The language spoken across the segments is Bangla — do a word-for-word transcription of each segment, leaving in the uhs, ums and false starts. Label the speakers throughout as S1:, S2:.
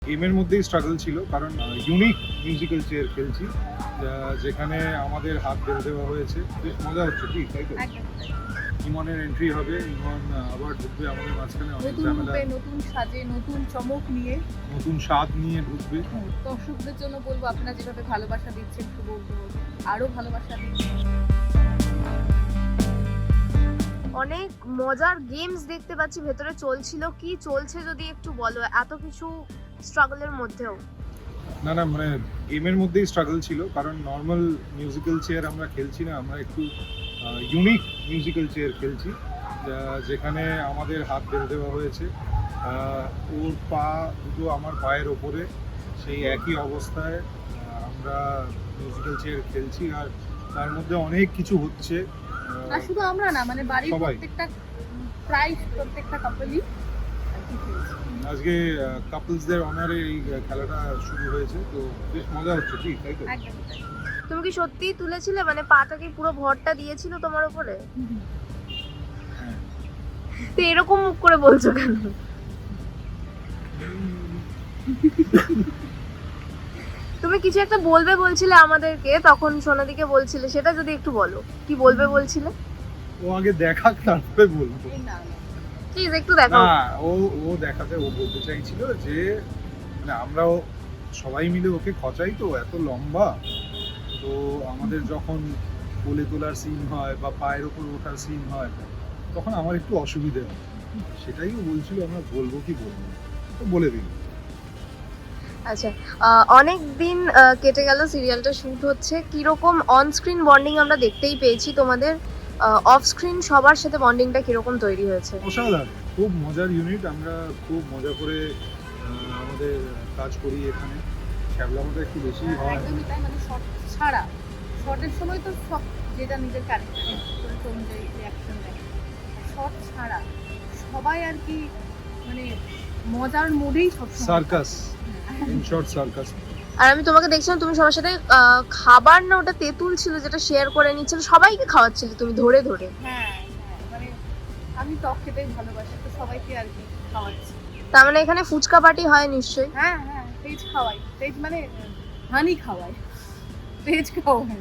S1: গেমের মধ্যেই স্ট্রাগল ছিল, কারণ ইউনিক মিউজিক্যাল চেয়ার খেলছি যা- যেখানে আমাদের হাত বেঁধে দেওয়া হয়েছে। বেশ মজা হচ্ছে, ঠিক তাই তো?
S2: একদম তাই।
S1: ইমনের এন্ট্রি হবে, ইমন আহ, আবার ঢুকবে আমাদের মাঝখানে, অনেক
S2: নতুন
S1: ঝামেলা,
S2: রূপে, নতুন সাজে, নতুন চমক নিয়ে
S1: নতুন স্বাদ নিয়ে ঢুকবে।
S2: দর্শকদের জন্য বলবো, আপনারা যেভাবে ভালোবাসা দিচ্ছেন শুভ আরো ভালোবাসা দিন।
S3: অনেক মজার গেমস দেখতে পাচ্ছি ভেতরে চলছিল, কি চলছে যদি একটু বলো, এত কিছু স্ট্রাগলের মধ্যেও।
S1: না না মানে গেমের মধ্যেই স্ট্রাগল ছিল, কারণ নর্মাল মিউজিক্যাল চেয়ার আমরা খেলছি না, আমরা একটু ইউনিক মিউজিক্যাল চেয়ার খেলছি যা- যেখানে আমাদের হাত বেঁধে দেওয়া হয়েছে। আহ, ওর পা দুটো আমার পায়ের ওপরে, সেই একই অবস্থায় আহ, আমরা মিউজিক্যাল চেয়ার খেলছি, আর তার মধ্যে অনেক কিছু হচ্ছে। আহ,
S2: আর শুধু আমরা না, মানে বাড়ির
S1: সবাই।
S2: প্রত্যেকটা প্রায় প্রত্যেকটা কাপলই
S1: আজকে কাপলসদের অনারে এই খেলাটা শুরু হয়েছে, তো বেশ মজা হচ্ছে, ঠিক তাই তো?
S2: একদম তাই।
S3: তুমি কি সত্যিই তুলেছিলে, মানে পাটা কি পুরো ভরটা দিয়েছিল তোমার উপরে?
S1: হ্যাঁ।
S3: তো এরকম মুখ করে বলছো কেন? তুমি কিছু একটা বলবে বলছিলে আমাদেরকে, তখন সোনাদিকে বলছিলে, সেটা যদি একটু বলো, কি বলবে বলছিলে?
S1: ও আগে দেখাক, তারপরে বলবো।
S2: এই না না।
S3: প্লিজ একটু দেখাও।
S1: না, ও ও দেখাতে, ও বলতে চাইছিল যে মানে আমরাও সবাই মিলে ওকে খচাই, তো এত লম্বা, তো আমাদের যখন কোলে তোলার সিন হয় বা পায়ের ওপর ওঠার সিন হয়, তখন আমার একটু অসুবিধে হয়। সেটাই ও বলছিল, আমরা বলবো কি বলবো, তো বলে দিন।
S3: আচ্ছা, অনেক দিন কেটে গেল, সিরিয়ালটা শুট হচ্ছে, কিরকম অন স্ক্রিন বন্ডিং আমরা দেখতেই পেয়েছি তোমাদের, অফ স্ক্রিন সবার সাথে বন্ডিংটা কিরকম তৈরি হয়েছে?
S1: অসাধারণ, খুব মজার ইউনিট, আমরা খুব মজা করে আহ, আমাদের কাজ করি এখানে। শ্যাবলামটা একটু বেশি হয়।
S2: একদমই তাই, মানে শর্ট ছাড়া শর্টের সময় তো সব যেটা নিজের ক্যারেক্টার অনুযায়ী রিয়াকশন দেয়, শর্ট ছাড়া সবাই আর কি মানে মজার মোডেই সব
S1: সার্কাস, ইন শর্ট সার্কাস।
S3: আর আমি তোমাকে দেখছিলাম, তুমি সবার সাথে আহ, খাবার না ওটা তেঁতুল ছিল যেটা শেয়ার করে নিচ্ছিল, সবাইকে খাওয়াচ্ছিলে তুমি ধরে ধরে।
S2: হ্যাঁ হ্যাঁ, মানে আমি টক খেতেই ভালোবাসি, তো সবাইকে আর কি খাওয়াচ্ছি।
S3: তার মানে এখানে ফুচকা পার্টি হয় নিশ্চয়ই।
S2: হ্যাঁ হ্যাঁ, তেজ খাওয়াই, তেজ মানে হানি খাওয়াই, তেজ খাওয়াই।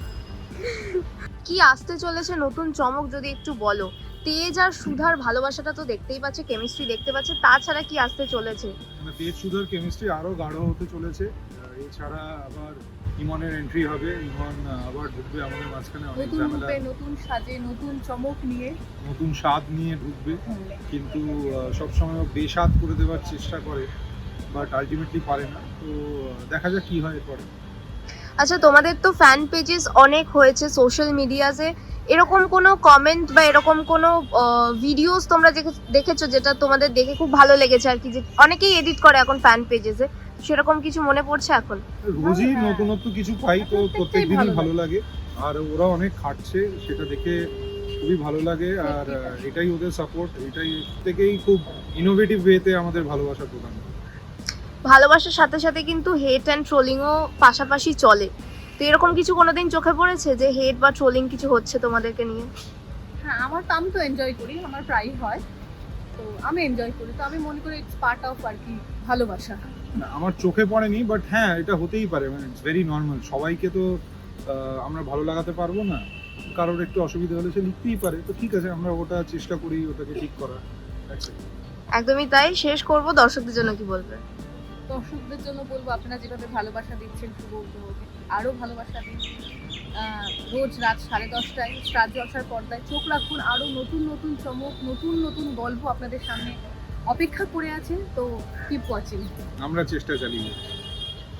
S3: কি আসতে চলেছে নতুন চমক যদি একটু বলো? তেজ আর সুধার ভালোবাসাটা তো দেখতেই পাচ্ছে, কেমিস্ট্রি দেখতে পাচ্ছে, তাছাড়া কি আসতে চলেছে?
S1: মানে তেজ সুধার কেমিস্ট্রি আরো গাঢ় হতে চলেছে। আর এছাড়া আবার ইমনের এন্ট্রি হবে, ইমন আহ, আবার ঢুকবে আমাদের মাঝখানে, অনেক
S2: নতুন
S1: ঝামেলা,
S2: রূপে, নতুন সাজে, নতুন চমক নিয়ে
S1: নতুন স্বাদ নিয়ে ঢুকবে, কিন্তু আহ, সবসময় ও বেস্বাদ করে দেওয়ার চেষ্টা করে, বাট আলটিমেটলি পারে না। তো আহ, দেখা যাক কি হয় এরপরে।
S3: আচ্ছা, তোমাদের তো ফ্যান পেজেস অনেক হয়েছে সোশ্যাল মিডিয়াতে, এরকম কোনো কমেন্ট বা এরকম কোনো ভিডিওস তোমরা দেখে- দেখেছো যেটা তোমাদের দেখে খুব ভালো লেগেছে আর কি, যে অনেকেই এডিট করে এখন ফ্যান পেজেসে, সেরকম কিছু মনে পড়ছে এখন?
S1: রোজই
S2: হ্যাঁ।
S1: নতুনত্ব কিছু পাই, তো
S2: প্রত্যেকটাই
S1: প্রত্যেক দিনই
S2: ভালো
S1: ভালো লাগে, আর ওরা অনেক খাটছে, সেটা দেখে খুবই ভালো লাগে। আর আহ, এটাই ওদের সাপোর্ট, এটাই থেকেই খুব ইনোভেটিভ ওয়েতে আমাদের ভালোবাসা প্রদান করে।
S3: ভালোবাসার সাথে সাথে কিন্তু হেট অ্যান্ড ট্রোলিংও পাশাপাশি চলে, তো এরকম কিছু কোনোদিন চোখে পড়েছে যে হেট বা ট্রোলিং কিছু হচ্ছে তোমাদেরকে নিয়ে?
S2: হ্যাঁ, আমার তো, আমি তো এনজয় করি, আমার প্রায়ই হয়, তো আমি এনজয় করি, তো আমি মনে করি ইটস পার্ট অফ আর কি ভালোবাসা।
S1: না, আমার চোখে পড়েনি, বাট হ্যাঁ এটা হতেই পারে, মানে ইটস ভেরি নর্মাল। সবাইকে তো আহ, আমরা ভালো লাগাতে পারবো না, কারোর একটু অসুবিধা হলে সে লিখতেই পারে, তো ঠিক আছে, আমরা ওটা চেষ্টা করি ওটাকে ঠিক করার। That's it.
S3: একদমই তাই। শেষ করব, দর্শকদের জন্য কি বলবে?
S2: দর্শকদের জন্য বলবো, আপনারা যেভাবে ভালোবাসা দিচ্ছেন শুভ উপভোগে আরো ভালোবাসা দিন। আহ, রোজ রাত সাড়ে দশটায় স্টার জলসার পর্দায় চোখ রাখুন, আরো নতুন নতুন চমক, নতুন নতুন গল্প আপনাদের সামনে অপেক্ষা করে আছে, তো কিপ ওয়াচিং।
S1: আমরা চেষ্টা চালিয়ে যাচ্ছি।